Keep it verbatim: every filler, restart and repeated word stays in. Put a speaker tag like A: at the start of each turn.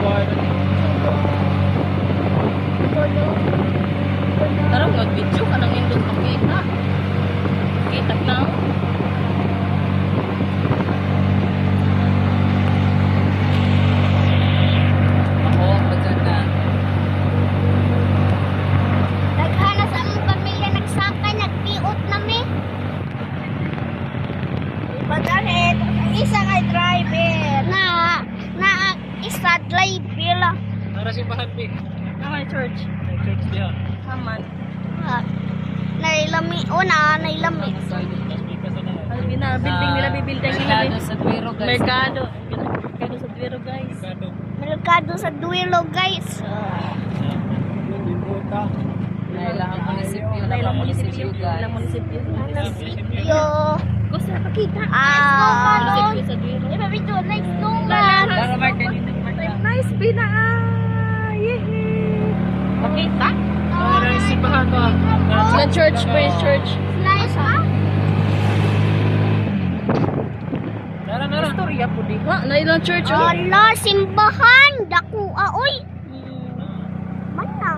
A: Tara, mag-video ka nang indot makita. Kita na. Ako, bagan na.
B: Naghana sa among pamilya, nagsakay, nagpiot na mi. Baganit, isa kay driver. Na, na, isa driver lang.
C: Nara si Bahabi.
A: Ang church.
C: Church diha.
A: Haman.
B: Ah, nailami, una, nailami.
A: Alvina, building nila, building nila.
C: Merkado sa Tuwiro, guys.
A: Merkado. Merkado sa Tuwiro, guys.
C: Merkado.
B: Merkado sa Duilo, guys.
C: Nailang munisipyo.
A: Nailang munisipyo,
C: guys.
A: Nailang munisipyo.
B: Yo.
A: Gusto na pakita.
B: Ah.
A: Munisipyo sa Tuwiro.
B: Iba video, like snowman.
C: Para marketing.
A: Nice, Bina. Yehey. Pakita.
C: Nara si Bahabi.
A: Na church, praise church.
B: Slice ha?
C: Nara, nara.
A: Istorya po di. Ha? Na ilang church, oh.
B: Ala, simbahan. Daku, ah, oy.